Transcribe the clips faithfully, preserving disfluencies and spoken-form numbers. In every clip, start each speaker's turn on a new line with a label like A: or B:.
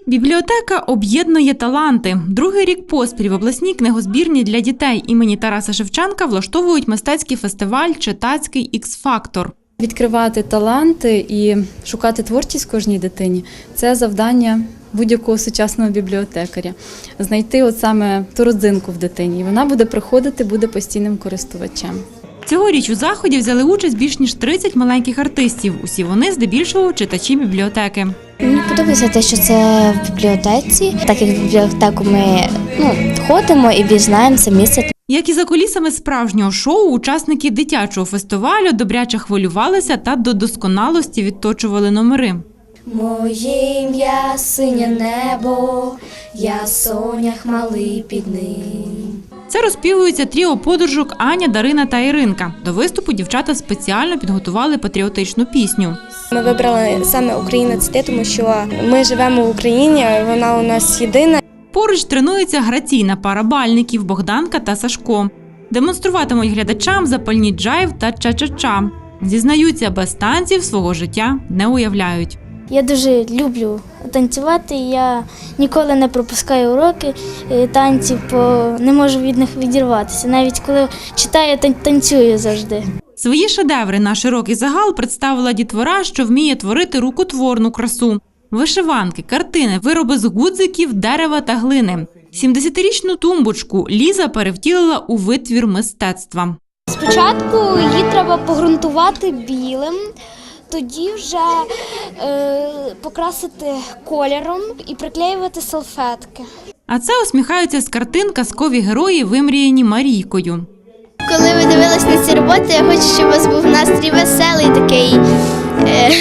A: Бібліотека об'єднує таланти. Другий рік поспіль в обласній книгозбірні для дітей імені Тараса Шевченка влаштовують мистецький фестиваль «Читацький ікс-фактор».
B: Відкривати таланти і шукати творчість кожній дитині – це завдання будь-якого сучасного бібліотекаря. Знайти от саме ту родзинку в дитині. І вона буде приходити, буде постійним користувачем.
A: Цьогоріч у заході взяли участь більш ніж тридцять маленьких артистів. Усі вони здебільшого читачі бібліотеки.
C: Мені подобається те, що це в бібліотеці. Так як в бібліотеку ми ну, ходимо і більш знаємо це місце.
A: Як і за кулісами справжнього шоу, учасники дитячого фестивалю добряче хвилювалися та до досконалості відточували номери.
D: Моє ім'я синє небо, я сонях малий під ним.
A: Це розпівується тріо подружок Аня, Дарина та Іринка. До виступу дівчата спеціально підготували патріотичну пісню.
E: Ми вибрали саме «Українець ти», тому що ми живемо в Україні, вона у нас єдина.
A: Поруч тренується граційна пара бальників Богданка та Сашко. Демонструватимуть глядачам запальні джайв та ча-ча-ча. Зізнаються, без танців свого життя не уявляють.
F: Я дуже люблю танцювати, я ніколи не пропускаю уроки танців, бо не можу від них відірватися. Навіть коли читаю, танцюю завжди.
A: Свої шедеври на широкий загал представила дітвора, що вміє творити рукотворну красу. Вишиванки, картини, вироби з гудзиків, дерева та глини. сімдесятирічну тумбочку Ліза перевтілила у витвір мистецтва.
F: Спочатку її треба погрунтувати білим, тоді вже е, покрасити кольором і приклеювати салфетки.
A: А це усміхаються з картин казкові герої, вимріяні Марійкою.
C: Коли ви дивились на ці роботи, я хочу, щоб у вас був настрій веселий, такий е,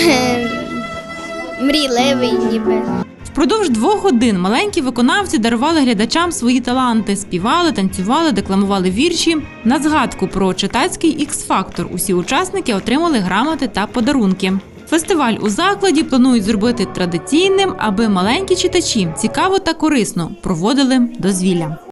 C: мрійливий ніби.
A: Впродовж двох годин маленькі виконавці дарували глядачам свої таланти, співали, танцювали, декламували вірші. На згадку про читацький ікс-фактор усі учасники отримали грамоти та подарунки. Фестиваль у закладі планують зробити традиційним, аби маленькі читачі цікаво та корисно проводили дозвілля.